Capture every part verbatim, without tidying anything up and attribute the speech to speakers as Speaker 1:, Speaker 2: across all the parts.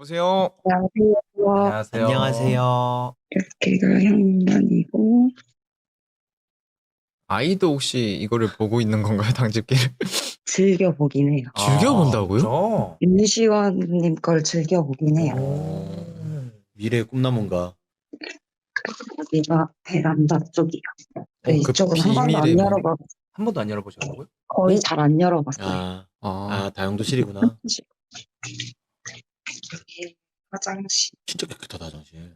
Speaker 1: 여보세요?
Speaker 2: 안녕하세요.
Speaker 1: 안녕하세요.
Speaker 3: 안녕하세요.
Speaker 2: 여기가 현관이고,
Speaker 1: 아이도 혹시 이거를 보고 있는 건가요, 당직기를?
Speaker 2: 즐겨보긴 해요.
Speaker 1: 즐겨본다고요?
Speaker 3: 아,
Speaker 2: 윤시원님 걸 즐겨보긴 해요.
Speaker 3: 오, 미래의 꿈나무인가?
Speaker 2: 여기가 베란다 쪽이요. 근데
Speaker 1: 어, 그
Speaker 2: 이쪽은 한 번도 안
Speaker 1: 비밀의 문.
Speaker 2: 열어봤,
Speaker 3: 한 번도 안 열어보셨다고요?
Speaker 2: 거의
Speaker 1: 어?
Speaker 2: 잘 안 열어봤어요.
Speaker 3: 아,
Speaker 1: 아,
Speaker 3: 아, 다용도실이구나.
Speaker 2: 여기 화장실,
Speaker 3: 진짜 깨끗하다, 화장실.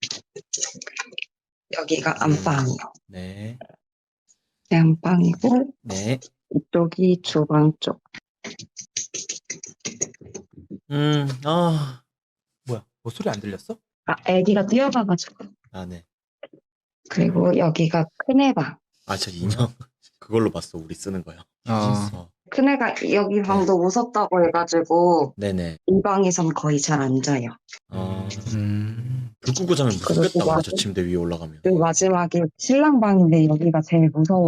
Speaker 2: 여기가 안방이요.
Speaker 3: 네,
Speaker 2: 네, 안방이고,
Speaker 3: 네.
Speaker 2: 이쪽이 주방 쪽.
Speaker 3: 음, 아, 뭐야, 뭐 소리 안 들렸어?
Speaker 2: 아, 애기가 뛰어가가지고.
Speaker 3: 아, 네.
Speaker 2: 그리고 여기가 큰애 방.
Speaker 3: 아, 저 인형. 그걸로 봤어, 우리 쓰는 거요.
Speaker 1: 아.
Speaker 3: 어,
Speaker 2: 큰애가 여기 방도 무섭다고 해가지고,
Speaker 3: 네네.
Speaker 2: 이 방에선 거의 잘 안 자요.
Speaker 3: 어,
Speaker 1: 음.
Speaker 3: 불 끄고 자면
Speaker 2: 그리고
Speaker 3: 무섭겠다, 근데 저
Speaker 2: 마지-
Speaker 3: 침대 위에 올라가면.
Speaker 2: 그 마지막에 신랑 방인데 여기가 제일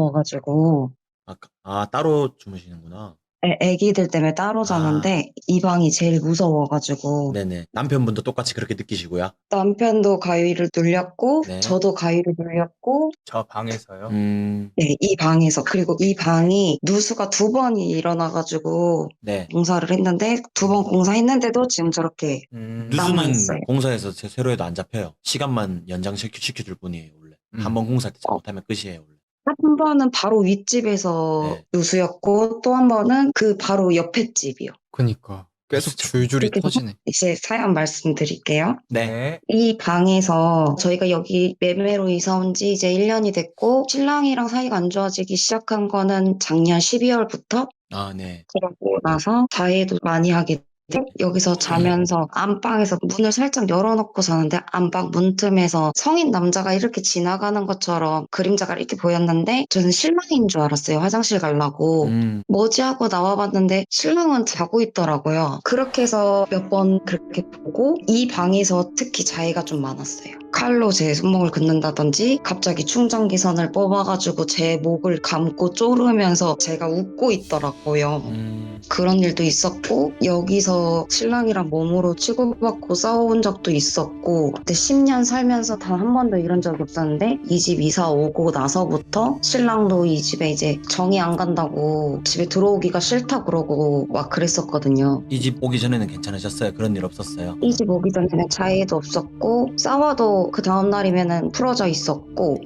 Speaker 2: 무서워가지고
Speaker 3: 아, 아, 따로 주무시는구나.
Speaker 2: 애, 애기들 때문에 따로 자는데 이 방이 제일 무서워가지고
Speaker 3: 네네. 남편분도 똑같이 그렇게 느끼시고요?
Speaker 2: 남편도 가위를 눌렸고
Speaker 3: 네.
Speaker 2: 저도 가위를 눌렸고
Speaker 1: 저 방에서요?
Speaker 3: 음,
Speaker 2: 네, 이 방에서 그리고 이 방이 누수가 두 번이 일어나가지고
Speaker 3: 네.
Speaker 2: 공사를 했는데 두 번 공사했는데도 지금 저렇게
Speaker 1: 음.
Speaker 3: 누수는
Speaker 2: 남아있어요.
Speaker 3: 공사에서 제- 새로 해도 안 잡혀요. 시간만 연장시켜 시켜줄 뿐이에요, 원래.
Speaker 1: 음.
Speaker 3: 한 번 공사할 때 잘못하면 끝이에요, 원래.
Speaker 2: 한 번은 바로 윗집에서
Speaker 3: 네.
Speaker 2: 누수였고 또 한 번은 그 바로 옆에 집이요.
Speaker 1: 그니까. 계속
Speaker 3: 진짜.
Speaker 1: 줄줄이
Speaker 2: 그렇게
Speaker 1: 터지네.
Speaker 2: 이제 사연 말씀드릴게요.
Speaker 3: 네.
Speaker 2: 이 방에서 저희가 여기 매매로 이사 온 지 이제 일 년이 됐고 신랑이랑 사이가 안 좋아지기 시작한 거는 작년 십이월부터
Speaker 3: 아, 네.
Speaker 2: 그러고 나서 자해도 많이 하게 돼. 여기서 자면서 안방에서 문을 살짝 열어놓고 자는데 안방 문틈에서 성인 남자가 이렇게 지나가는 것처럼 그림자가 이렇게 보였는데 저는 신랑인 줄 알았어요. 화장실 가려고.
Speaker 3: 음,
Speaker 2: 뭐지 하고 나와봤는데 신랑은 자고 있더라고요. 그렇게 해서 몇 번 그렇게 보고 이 방에서 특히 자해가 좀 많았어요. 칼로 제 손목을 긋는다든지 갑자기 충전기 선을 뽑아가지고 제 목을 감고 쪼르면서 제가 웃고 있더라고요.
Speaker 3: 음,
Speaker 2: 그런 일도 있었고 여기서 신랑이랑 몸으로 치고받고 싸워본 적도 있었고 근데 십 년 살면서 단 한 번도 이런 적이 없었는데 이 집 이사 오고 나서부터 신랑도 이 집에 이제 정이 안 간다고 집에 들어오기가 싫다 그러고 막 그랬었거든요.
Speaker 3: 이 집 오기 전에는 괜찮으셨어요? 그런 일 없었어요?
Speaker 2: 이 집 오기 전에는 자해도 없었고 싸워도 그 다음 날이면은 풀어져 있었고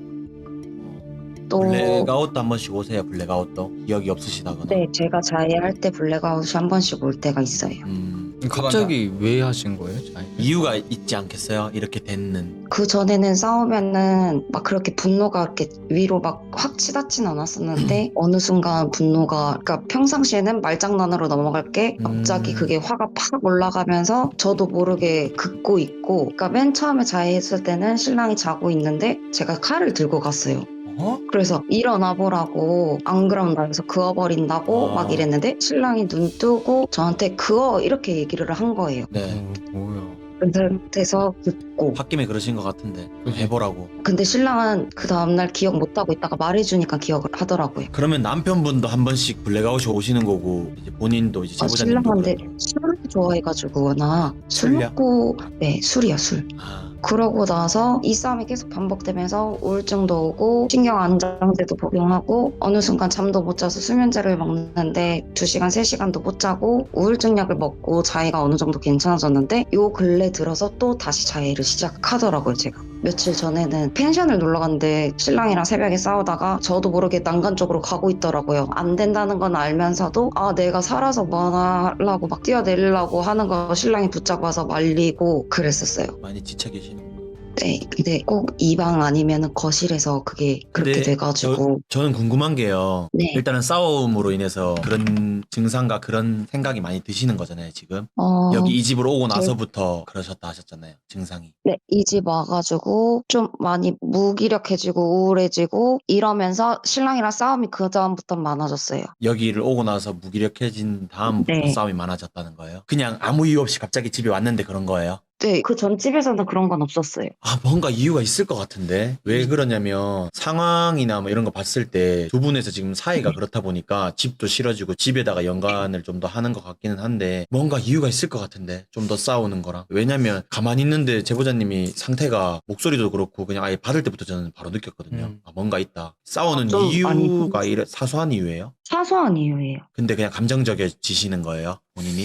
Speaker 2: 또
Speaker 3: 블랙아웃도 한 번씩 오세요, 블랙아웃도? 기억이 없으시다거나.
Speaker 2: 네, 제가 자해할 때 블랙아웃이 한 번씩 올 때가 있어요.
Speaker 3: 음,
Speaker 1: 갑자기 왜 하신 거예요? 자해?
Speaker 3: 이유가 있지 않겠어요? 이렇게 됐는.
Speaker 2: 그 전에는 싸우면은 막 그렇게 분노가 이렇게 위로 막 확 치닫진 않았었는데 어느 순간 분노가 그러니까 평상시에는 말장난으로 넘어갈 게 갑자기
Speaker 3: 음.
Speaker 2: 그게 화가 팍 올라가면서 저도 모르게 긋고 있고 그러니까 맨 처음에 자해했을 때는 신랑이 자고 있는데 제가 칼을 들고 갔어요.
Speaker 3: 어?
Speaker 2: 그래서 일어나 보라고 안 그러면 나 여기서 그어버린다고
Speaker 3: 아.
Speaker 2: 막 이랬는데 신랑이 눈 뜨고 저한테 그어 이렇게 얘기를 한 거예요.
Speaker 3: 네.
Speaker 1: 어, 뭐야.
Speaker 2: 그 상태에서 긋고
Speaker 3: 홧김에 그러신 것 같은데. 좀
Speaker 1: 그지.
Speaker 3: 해보라고.
Speaker 2: 근데 신랑은 그 다음날 기억 못하고 있다가 말해주니까 기억을 하더라고요.
Speaker 3: 그러면 남편분도 한 번씩 블랙아웃이 오시는 거고 이제 본인도 이제
Speaker 2: 아,
Speaker 3: 제보자님도
Speaker 2: 신랑한테
Speaker 3: 그러고.
Speaker 2: 술을 좋아해가지고 워낙 술
Speaker 3: 술이요?
Speaker 2: 먹고 네 술이야 술.
Speaker 3: 아,
Speaker 2: 그러고 나서 이 싸움이 계속 반복되면서 우울증도 오고 신경 안정제도 복용하고 어느 순간 잠도 못 자서 수면제를 먹는데 두 시간 세 시간도 못 자고 우울증 약을 먹고 자해가 어느 정도 괜찮아졌는데 요 근래 들어서 또 다시 자해를 시작하더라고요. 제가 며칠 전에는 펜션을 놀러 갔는데 신랑이랑 새벽에 싸우다가 저도 모르게 난간 쪽으로 가고 있더라고요. 안 된다는 건 알면서도 아 내가 살아서 뭐 하려고 막 뛰어내리려고 하는 거 신랑이 붙잡아서 말리고 그랬었어요.
Speaker 3: 많이 지쳐 계시는.
Speaker 2: 네, 근데 꼭 이 방 아니면 거실에서 그게 그렇게
Speaker 3: 근데
Speaker 2: 돼가지고
Speaker 3: 저, 저는 궁금한 게요.
Speaker 2: 네.
Speaker 3: 일단은 싸움으로 인해서 그런 증상과 그런 생각이 많이 드시는 거잖아요, 지금.
Speaker 2: 어,
Speaker 3: 여기 이 집으로 오고 나서부터 그러셨다 하셨잖아요, 증상이.
Speaker 2: 네, 이 집 와가지고 좀 많이 무기력해지고 우울해지고 이러면서 신랑이랑 싸움이 그 다음부터 많아졌어요.
Speaker 3: 여기를 오고 나서 무기력해진 다음부터
Speaker 2: 네.
Speaker 3: 싸움이 많아졌다는 거예요. 그냥 아무 이유 없이 갑자기 집에 왔는데 그런 거예요.
Speaker 2: 네, 그 전 집에서는 그런 건 없었어요.
Speaker 3: 아, 뭔가 이유가 있을 것 같은데. 왜 그러냐면 상황이나 뭐 이런 거 봤을 때 두 분에서 지금 사이가 그렇다 보니까 집도 싫어지고 집에다가 연관을 좀 더 하는 것 같기는 한데 뭔가 이유가 있을 것 같은데. 좀 더 싸우는 거랑. 왜냐면 가만히 있는데 제보자님이 상태가 목소리도 그렇고 그냥 아예 받을 때부터 저는 바로 느꼈거든요.
Speaker 1: 음.
Speaker 3: 아, 뭔가 있다. 싸우는
Speaker 2: 아, 좀
Speaker 3: 이유가
Speaker 2: 많이
Speaker 3: 이래, 사소한 이유예요?
Speaker 2: 사소한 이유예요.
Speaker 3: 근데 그냥 감정적이지시는 거예요? 본인이?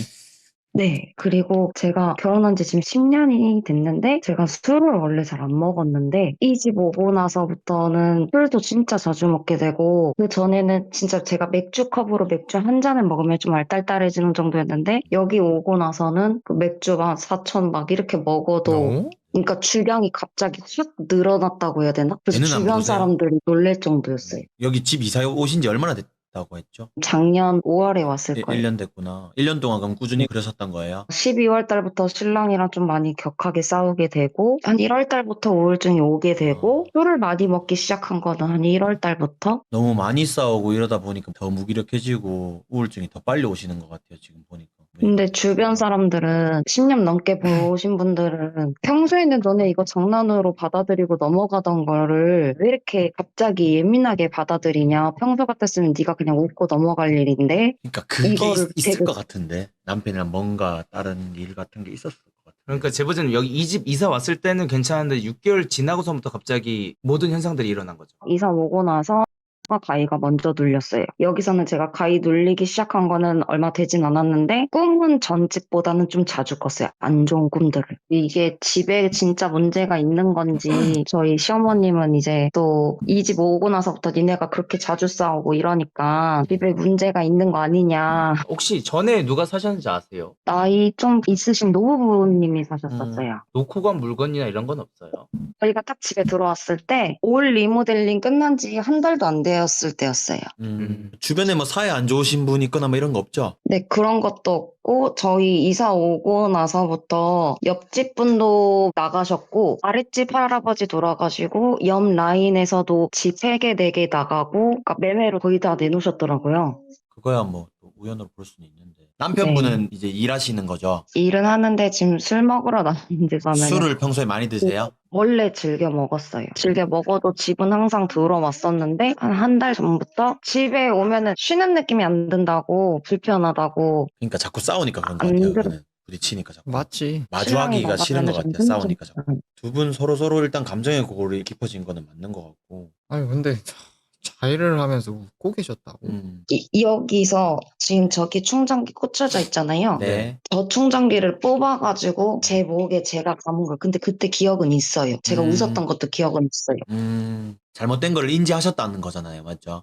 Speaker 2: 네. 그리고 제가 결혼한 지 지금 십 년이 됐는데 제가 술을 원래 잘 안 먹었는데 이 집 오고 나서부터는 술도 진짜 자주 먹게 되고 그전에는 진짜 제가 맥주 컵으로 맥주 한 잔을 먹으면 좀 알딸딸해지는 정도였는데 여기 오고 나서는 그 맥주 막 사천 막 이렇게 먹어도
Speaker 1: 어?
Speaker 2: 그러니까 주량이 갑자기 확 늘어났다고 해야 되나? 그래서
Speaker 3: 배는 안
Speaker 2: 주변
Speaker 3: 부르세요?
Speaker 2: 사람들이 놀랄 정도였어요.
Speaker 3: 여기 집 이사 오신 지 얼마나 됐다고 했죠?
Speaker 2: 작년 오월에 왔을 거예요.
Speaker 3: 일 년 됐구나. 일 년 동안 그럼 꾸준히 그러셨던 거예요?
Speaker 2: 십이월 달부터 신랑이랑 좀 많이 격하게 싸우게 되고 한 일월 달부터 우울증이 오게 되고 술을 많이 먹기 시작한 거는 한 일월 달부터
Speaker 3: 너무 많이 싸우고 이러다 보니까 더 무기력해지고 우울증이 더 빨리 오시는 것 같아요, 지금 보니까.
Speaker 2: 근데 주변 사람들은 십 년 넘게 보신 분들은 평소에는 너네 이거 장난으로 받아들이고 넘어가던 거를 왜 이렇게 갑자기 예민하게 받아들이냐 평소 같았으면 네가 그냥 웃고 넘어갈 일인데
Speaker 3: 그러니까 그게
Speaker 2: 이거를
Speaker 3: 있, 있을
Speaker 2: 되게-
Speaker 3: 것 같은데 남편이랑 뭔가 다른 일 같은 게 있었을 것 같아요.
Speaker 4: 그러니까 제보자님 여기 이 집 이사 왔을 때는 괜찮은데 육 개월 지나고서부터 갑자기 모든 현상들이 일어난 거죠.
Speaker 2: 이사 오고 나서 가위가 먼저 눌렸어요. 여기서는 제가 가위 눌리기 시작한 거는 얼마 되진 않았는데 꿈은 전 집보다는 좀 자주 꿨어요. 안 좋은 꿈들을. 이게 집에 진짜 문제가 있는 건지 저희 시어머님은 이제 또 이 집 오고 나서부터 니네가 그렇게 자주 싸우고 이러니까 집에 문제가 있는 거 아니냐.
Speaker 4: 혹시 전에 누가 사셨는지 아세요?
Speaker 2: 나이 좀 있으신 노부부님이 사셨었어요.
Speaker 4: 놓고 간 물건이나 이런 건 없어요?
Speaker 2: 저희가 딱 집에 들어왔을 때 올 리모델링 끝난 지 한 달도 안 되었을 때였어요.
Speaker 3: 음,
Speaker 4: 음.
Speaker 3: 주변에 뭐 사이 안 좋으신 분 있거나 뭐 이런 거 없죠?
Speaker 2: 네, 그런 것도 없고, 저희 이사 오고 나서부터 옆집 분도 나가셨고, 아랫집 할아버지 돌아가시고, 옆 라인에서도 집 세 개, 네 개 나가고, 그러니까 매매로 거의 다 내놓으셨더라고요.
Speaker 3: 그거야 뭐 또 우연으로 볼 수는 있는데. 남편분은 이제 일하시는 거죠?
Speaker 2: 일은 하는데 지금 술 먹으러 나가는 데 가면
Speaker 3: 술을 평소에 많이 드세요?
Speaker 2: 원래 즐겨 먹었어요. 즐겨 먹어도 집은 항상 들어왔었는데 한 한 달 전부터 집에 오면은 쉬는 느낌이 안 든다고 불편하다고
Speaker 3: 그러니까 자꾸 싸우니까 그런 것
Speaker 2: 안
Speaker 3: 같아요.
Speaker 2: 들어-
Speaker 3: 그거는 부딪히니까 자꾸.
Speaker 1: 맞지.
Speaker 3: 마주하기가 싫은 것
Speaker 2: 신랑이
Speaker 3: 같아요.
Speaker 2: 나가면은
Speaker 3: 싸우니까
Speaker 2: 좀
Speaker 3: 자꾸. 두 분 서로 서로 일단 감정의 골이 깊어진 거는 맞는 것 같고.
Speaker 1: 아니 근데 자해를 하면서 웃고 계셨다고?
Speaker 3: 음.
Speaker 2: 이- 여기서 지금 저기 충전기 꽂혀져 있잖아요.
Speaker 3: 네.
Speaker 2: 저 충전기를 뽑아가지고 제 목에 제가 감은 거예요. 근데 그때 기억은 있어요. 제가
Speaker 3: 음.
Speaker 2: 웃었던 것도 기억은 있어요.
Speaker 3: 음. 잘못된 걸 인지하셨다는 거잖아요. 맞죠?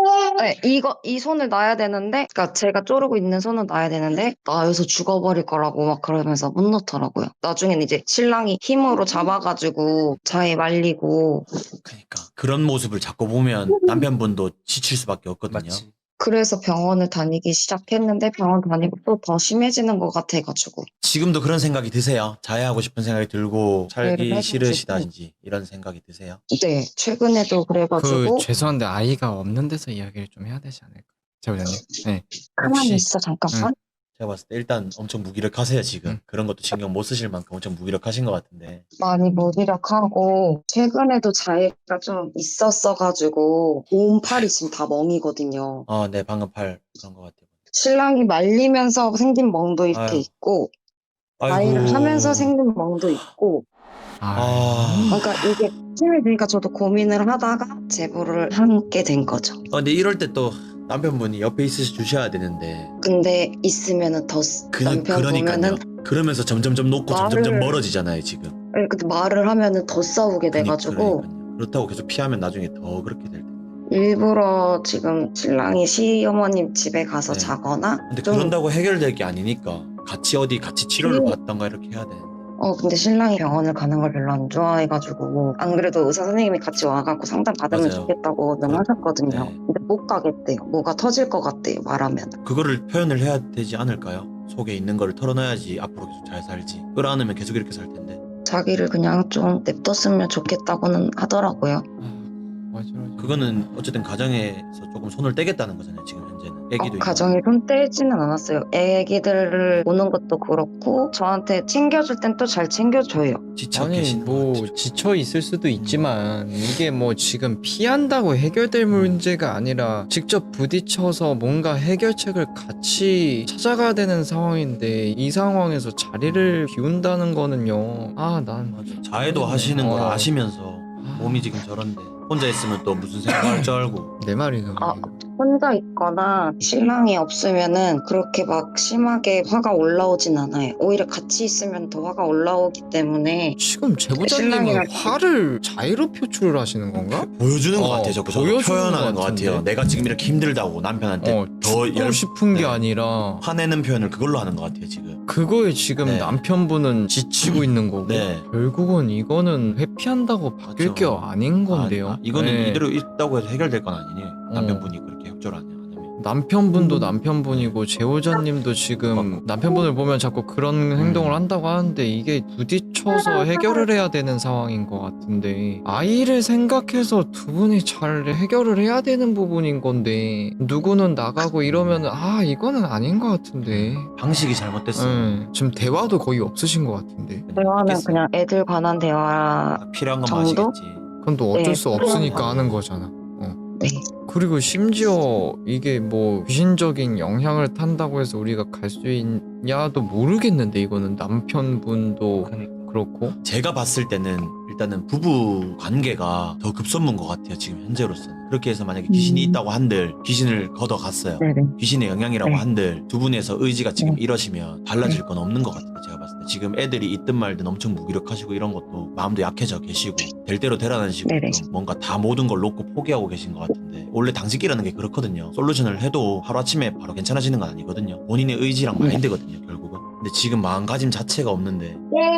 Speaker 2: 네, 이거 이 손을 놔야 되는데, 그러니까 제가 쪼르고 있는 손은 놔야 되는데 놔여서 죽어버릴 거라고 막 그러면서 못 놓더라고요. 나중에는 이제 신랑이 힘으로 잡아가지고 자에 말리고
Speaker 3: 그러니까 그런 모습을 자꾸 보면 남편분도 지칠 수밖에 없거든요.
Speaker 4: 맞지.
Speaker 2: 그래서 병원을 다니기 시작했는데 병원 다니고 또 더 심해지는 것 같아가지고
Speaker 3: 지금도 그런 생각이 드세요? 자해하고 싶은 생각이 들고 살기
Speaker 2: 자해를
Speaker 3: 싫으시다든지 이런 생각이 드세요?
Speaker 2: 네 최근에도
Speaker 1: 그
Speaker 2: 그래가지고
Speaker 1: 죄송한데 아이가 없는 데서 이야기를 좀 해야 되지 않을까? 제보자님. 네.
Speaker 2: 가만히
Speaker 1: 혹시-
Speaker 2: 있어 잠깐만.
Speaker 3: 제가 봤을 때 일단 엄청 무기력하세요 지금.
Speaker 1: 음.
Speaker 3: 그런 것도 신경 못 쓰실 만큼 엄청 무기력하신 것 같은데.
Speaker 2: 많이 무기력하고 최근에도 자해가 좀 있었어가지고 온 팔이 지금 다 멍이거든요.
Speaker 3: 어, 네 방금 팔 그런 것 같아요.
Speaker 2: 신랑이 말리면서 생긴 멍도 이렇게
Speaker 3: 아유.
Speaker 2: 있고
Speaker 3: 아이고.
Speaker 2: 자해를 하면서 생긴 멍도 있고
Speaker 1: 아,
Speaker 3: 아.
Speaker 2: 그러니까 이게 힘이 드니까 저도 고민을 하다가 제보를 하게 된 거죠.
Speaker 3: 어, 근데 이럴 때 또 남편분이 옆에 있으셔 주셔야 되는데.
Speaker 2: 근데 있으면은 더 쓰-
Speaker 3: 그,
Speaker 2: 남편
Speaker 3: 그러니까요.
Speaker 2: 보면은
Speaker 3: 그러면서 점점점 놓고
Speaker 2: 말을-
Speaker 3: 점점점 멀어지잖아요 지금.
Speaker 2: 아니, 근데 말을 하면은 더 싸우게
Speaker 3: 그니-
Speaker 2: 돼가지고
Speaker 3: 그러니까요. 그렇다고 계속 피하면 나중에 더 그렇게 될 텐데.
Speaker 2: 일부러 지금 신랑이 시어머님 집에 가서
Speaker 3: 네.
Speaker 2: 자거나
Speaker 3: 근데
Speaker 2: 좀
Speaker 3: 그런다고 해결될 게 아니니까 같이 어디 같이 치료를
Speaker 2: 음.
Speaker 3: 받던가 이렇게 해야 되는데.
Speaker 2: 어 근데 신랑이 병원을 가는 걸 별로 안 좋아해가지고 안 그래도 의사 선생님이 같이 와갖고 상담 받으면
Speaker 3: 맞아요.
Speaker 2: 좋겠다고는
Speaker 3: 그렇-
Speaker 2: 하셨거든요.
Speaker 3: 네.
Speaker 2: 근데 못 가겠대요. 뭐가 터질 것 같대요. 말하면.
Speaker 3: 그거를 표현을 해야 되지 않을까요? 속에 있는 거를 털어놔야지 앞으로 계속 잘 살지. 끌어안으면 계속 이렇게 살 텐데.
Speaker 2: 자기를 그냥 좀 냅뒀으면 좋겠다고는 하더라고요.
Speaker 1: 아, 맞아, 맞아.
Speaker 3: 그거는 어쨌든 가정에서 조금 손을 떼겠다는 거잖아요 지금 현재는. 애기도
Speaker 2: 어,
Speaker 3: 있고.
Speaker 2: 가정에 손 떼지는 않았어요. 애기들을 보는 것도 그렇고 저한테 챙겨줄 땐 또 잘 챙겨줘요.
Speaker 3: 지쳐
Speaker 1: 아니
Speaker 3: 계시는
Speaker 1: 뭐
Speaker 3: 것 같아요.
Speaker 1: 지쳐 있을 수도 있지만 이게 뭐 지금 피한다고 해결될 문제가 아니라 직접 부딪혀서 뭔가 해결책을 같이 찾아가야 되는 상황인데 이 상황에서 자리를 비운다는 거는요. 아, 난
Speaker 3: 맞아. 자해도 하시는 걸
Speaker 1: 어.
Speaker 3: 아시면서 몸이 지금 저런데 혼자 있으면 또 무슨 생각할 줄 알고.
Speaker 1: 내 말이 그거예요.
Speaker 2: 아, 혼자 있거나 신랑이 없으면은 그렇게 막 심하게 화가 올라오진 않아요. 오히려 같이 있으면 더 화가 올라오기 때문에
Speaker 1: 지금 제보자님은
Speaker 2: 신랑이랑
Speaker 1: 화를 자의로 표출을 하시는 건가?
Speaker 3: 보여주는 것
Speaker 1: 어,
Speaker 3: 같아요. 자꾸 저도
Speaker 1: 보여주는
Speaker 3: 표현하는
Speaker 1: 것
Speaker 3: 것 같아요.
Speaker 1: 같은데?
Speaker 3: 내가 지금 이렇게 힘들다고 남편한테
Speaker 1: 어,
Speaker 3: 더
Speaker 1: 죽고
Speaker 3: 열-
Speaker 1: 싶은 게
Speaker 3: 네.
Speaker 1: 아니라
Speaker 3: 화내는 표현을 그걸로 하는 것 같아요 지금.
Speaker 1: 그거에 지금
Speaker 3: 네.
Speaker 1: 남편분은 지치고 있는 거고
Speaker 3: 네.
Speaker 1: 결국은 이거는 회피한다고 바뀔
Speaker 3: 맞죠.
Speaker 1: 게 아닌 건데요.
Speaker 3: 아, 아, 이거는
Speaker 1: 네.
Speaker 3: 이대로 있다고 해서 해결될 건 아니네요. 남편분이 그렇게 협조를 안, 해- 안 하면.
Speaker 1: 남편분도
Speaker 2: 음.
Speaker 1: 남편분이고 제호자님도 지금 남편분을 보면 자꾸 그런 행동을
Speaker 3: 음.
Speaker 1: 한다고 하는데 이게 부딪혀서 해결을 해야 되는 상황인 것 같은데 아이를 생각해서 두 분이 잘 해결을 해야 되는 부분인 건데 누구는 나가고 이러면은 아 이거는 아닌 것 같은데
Speaker 3: 방식이 잘못됐어요.
Speaker 1: 네, 지금 대화도 거의 없으신 것 같은데
Speaker 2: 대화는
Speaker 3: 있겠어요.
Speaker 2: 그냥 애들 관한 대화.
Speaker 3: 딱 필요한 것만
Speaker 2: 정도?
Speaker 3: 하시겠지.
Speaker 1: 그건 또 어쩔
Speaker 2: 네,
Speaker 1: 수 없으니까
Speaker 3: 필요한
Speaker 1: 하는
Speaker 3: 거.
Speaker 1: 거잖아. 어.
Speaker 2: 네.
Speaker 1: 그리고 심지어 이게 뭐 귀신적인 영향을 탄다고 해서 우리가 갈 수 있냐도 모르겠는데 이거는 남편분도
Speaker 3: 그러니까.
Speaker 1: 그렇고
Speaker 3: 제가 봤을 때는 일단은 부부 관계가 더 급선무인 것 같아요 지금 현재로서는. 그렇게 해서 만약에 귀신이
Speaker 2: 음.
Speaker 3: 있다고 한들 귀신을 걷어갔어요.
Speaker 2: 네네.
Speaker 3: 귀신의 영향이라고
Speaker 2: 네.
Speaker 3: 한들 두 분에서 의지가 지금
Speaker 2: 네.
Speaker 3: 이러시면 달라질 건 없는 것 같아요 제가 봤을 때. 지금 애들이 있든 말든 엄청 무기력하시고 이런 것도 마음도 약해져 계시고 될 대로 되라는 식으로
Speaker 2: 네네.
Speaker 3: 좀 뭔가 다 모든 걸 놓고 포기하고 계신 것 같은데 원래 당직이라는 게 그렇거든요. 솔루션을 해도 하루아침에 바로 괜찮아지는 건 아니거든요. 본인의 의지랑
Speaker 2: 네.
Speaker 3: 마인드거든요 결국은. 근데 지금 마음가짐 자체가 없는데.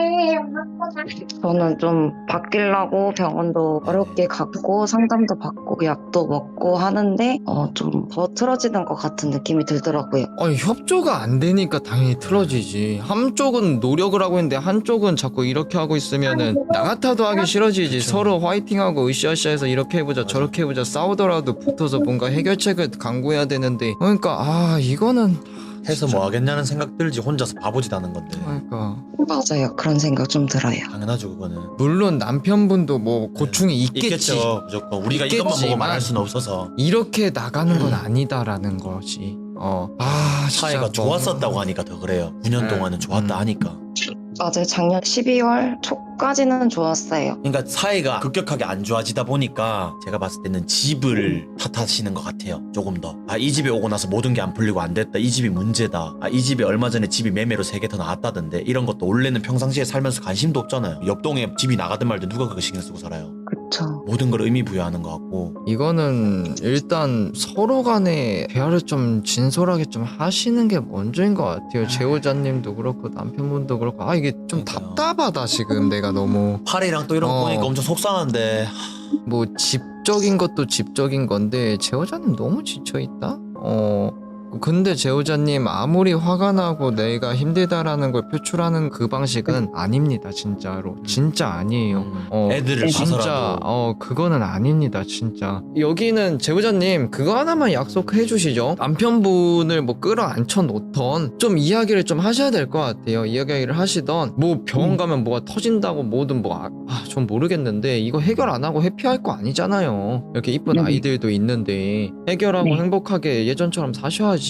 Speaker 2: 저는 좀 바뀌려고 병원도
Speaker 3: 네네.
Speaker 2: 어렵게 갔고 상담도 받고 약도 먹고 하는데 어, 좀 더 틀어지는 것 같은 느낌이 들더라고요.
Speaker 1: 아니 협조가 안 되니까 당연히 틀어지지. 한쪽은 노력을 하고 있는데 한쪽은 자꾸 이렇게 하고 있으면은 나 같아도 하기 싫어지지.
Speaker 3: 그쵸.
Speaker 1: 서로 화이팅하고 으쌰으쌰해서 이렇게 해보자
Speaker 3: 맞아.
Speaker 1: 저렇게 해보자 싸우더라도 붙어서 뭔가 해결책을 강구해야 되는데 그러니까 아 이거는
Speaker 3: 해서
Speaker 1: 진짜.
Speaker 3: 뭐 하겠냐는 생각 들지 혼자서 바보짓 하는 건데.
Speaker 1: 그러니까
Speaker 2: 맞아요. 그런 생각 좀 들어요.
Speaker 3: 당연하죠 그거는.
Speaker 1: 물론 남편분도 뭐 고충이 있겠지.
Speaker 3: 있겠죠 무조건. 우리가 이것만 보고
Speaker 1: 있겠지만
Speaker 3: 말할 수는 없어서.
Speaker 1: 이렇게 나가는 건 아니다라는 것이. 어. 아, 진짜
Speaker 3: 사이가
Speaker 1: 너무-
Speaker 3: 좋았었다고 하니까 더 그래요. 구 년
Speaker 1: 네.
Speaker 3: 동안은 좋았다
Speaker 1: 음.
Speaker 3: 하니까.
Speaker 2: 맞아요. 작년 십이월 초까지는 좋았어요.
Speaker 3: 그러니까 사이가 급격하게 안 좋아지다 보니까 제가 봤을 때는 집을 탓하시는 것 같아요. 조금 더. 아, 이 집에 오고 나서 모든 게 안 풀리고 안 됐다. 이 집이 문제다. 아, 이 집에 얼마 전에 집이 매매로 세 개 더 나왔다던데. 이런 것도 원래는 평상시에 살면서 관심도 없잖아요. 옆 동에 집이 나가든 말든 누가 그거 신경 쓰고 살아요.
Speaker 2: 그쵸.
Speaker 3: 모든 걸 의미 부여하는 것 같고.
Speaker 1: 이거는 일단 서로 간에 대화를 좀 진솔하게 좀 하시는 게 먼저인 것 같아요. 제호자님도 그렇고 남편분도 그렇고 아 이게 좀
Speaker 3: 그러니까요.
Speaker 1: 답답하다 지금 내가 너무
Speaker 3: 팔이랑 또 이런 거
Speaker 1: 어.
Speaker 3: 보니까 엄청 속상한데.
Speaker 1: 뭐 집적인 것도 집적인 건데 제호자님 너무 지쳐있다? 어 근데 제호자님 아무리 화가 나고 내가 힘들다라는 걸 표출하는 그 방식은 아닙니다 진짜로 진짜 아니에요.
Speaker 3: 음,
Speaker 1: 어,
Speaker 3: 애들을
Speaker 1: 진짜
Speaker 3: 봐서라도.
Speaker 1: 어 그거는 아닙니다 진짜. 여기는 제보자님 그거 하나만 약속해 주시죠. 남편분을 뭐 끌어앉혀 놓던 좀 이야기를 좀 하셔야 될 것 같아요. 이야기를 하시던 뭐 병원
Speaker 2: 음.
Speaker 1: 가면 뭐가 터진다고 뭐든 뭐아좀 모르겠는데 이거 해결 안 하고 회피할 거 아니잖아요. 이렇게 이쁜
Speaker 2: 네네.
Speaker 1: 아이들도 있는데 해결하고
Speaker 2: 네.
Speaker 1: 행복하게 예전처럼 사셔야지.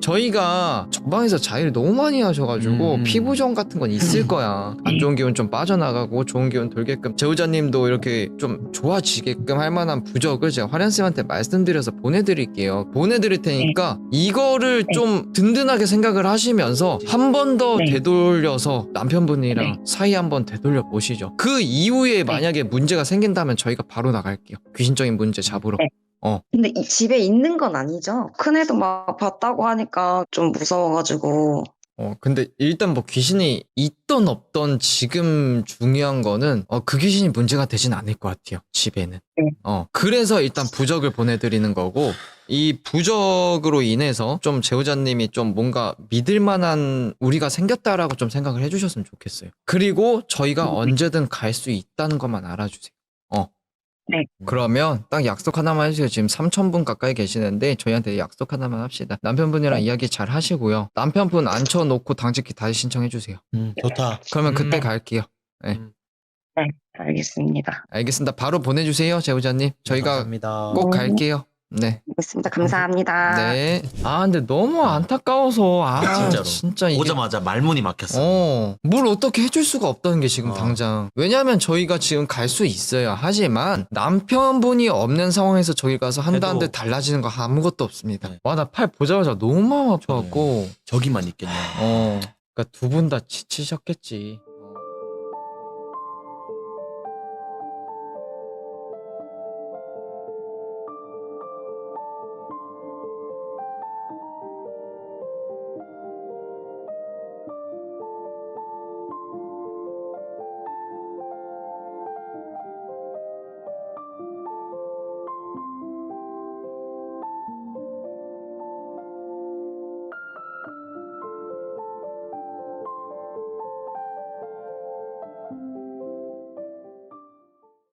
Speaker 1: 저희가 전방에서 자해를 너무 많이 하셔가지고
Speaker 3: 음.
Speaker 1: 피부종 같은 건 있을 거야. 안 좋은 기운 좀 빠져나가고 좋은 기운 돌게끔 제우자님도 이렇게 좀 좋아지게끔 할 만한 부적을 제가 화련쌤한테 말씀드려서 보내드릴게요. 보내드릴 테니까 이거를
Speaker 2: 네.
Speaker 1: 좀 든든하게 생각을 하시면서 한 번 더
Speaker 2: 네.
Speaker 1: 되돌려서 남편분이랑
Speaker 2: 네.
Speaker 1: 사이 한번 되돌려 보시죠. 그 이후에 만약에 문제가 생긴다면 저희가 바로 나갈게요. 귀신적인 문제 잡으러.
Speaker 2: 네. 근데 이 집에 있는 건 아니죠? 큰애도 막 봤다고 하니까 좀 무서워가지고.
Speaker 1: 어, 근데 일단 뭐 귀신이 있던 없던 지금 중요한 거는 어, 그 귀신이 문제가 되진 않을 것 같아요. 집에는.
Speaker 2: 네.
Speaker 1: 어, 그래서 일단 부적을 보내드리는 거고 이 부적으로 인해서 좀 제우자님이 좀 뭔가 믿을 만한 우리가 생겼다라고 좀 생각을 해주셨으면 좋겠어요. 그리고 저희가
Speaker 2: 음.
Speaker 1: 언제든 갈 수 있다는 것만 알아주세요. 어.
Speaker 2: 네.
Speaker 1: 그러면 딱 약속 하나만 해주세요. 지금 삼천 분 가까이 계시는데 저희한테 약속 하나만 합시다. 남편분이랑
Speaker 2: 네.
Speaker 1: 이야기 잘 하시고요. 남편분 앉혀놓고 당직기 다시 신청해주세요.
Speaker 3: 음, 좋다.
Speaker 1: 그러면 그때
Speaker 4: 음.
Speaker 1: 갈게요. 네.
Speaker 4: 음.
Speaker 2: 네, 알겠습니다.
Speaker 1: 알겠습니다. 바로 보내주세요, 제보자님. 저희가
Speaker 3: 감사합니다.
Speaker 1: 꼭
Speaker 2: 네.
Speaker 1: 갈게요. 네.
Speaker 2: 알겠습니다. 감사합니다.
Speaker 1: 네. 아, 근데 너무 안타까워서, 아,
Speaker 3: 진짜로.
Speaker 1: 진짜 이게.
Speaker 3: 오자마자 말문이 막혔어.
Speaker 1: 어, 뭘 어떻게 해줄 수가 없다는 게 지금
Speaker 3: 어.
Speaker 1: 당장. 왜냐면 저희가 지금 갈 수 있어요. 하지만 남편분이 없는 상황에서 저희 가서 한다는데
Speaker 3: 해도-
Speaker 1: 달라지는 거 아무것도 없습니다.
Speaker 3: 네.
Speaker 1: 와, 나 팔 보자마자 너무 마음 아파갖고.
Speaker 3: 저기만 있겠냐.
Speaker 1: 어. 그러니까 두 분 다 지치셨겠지.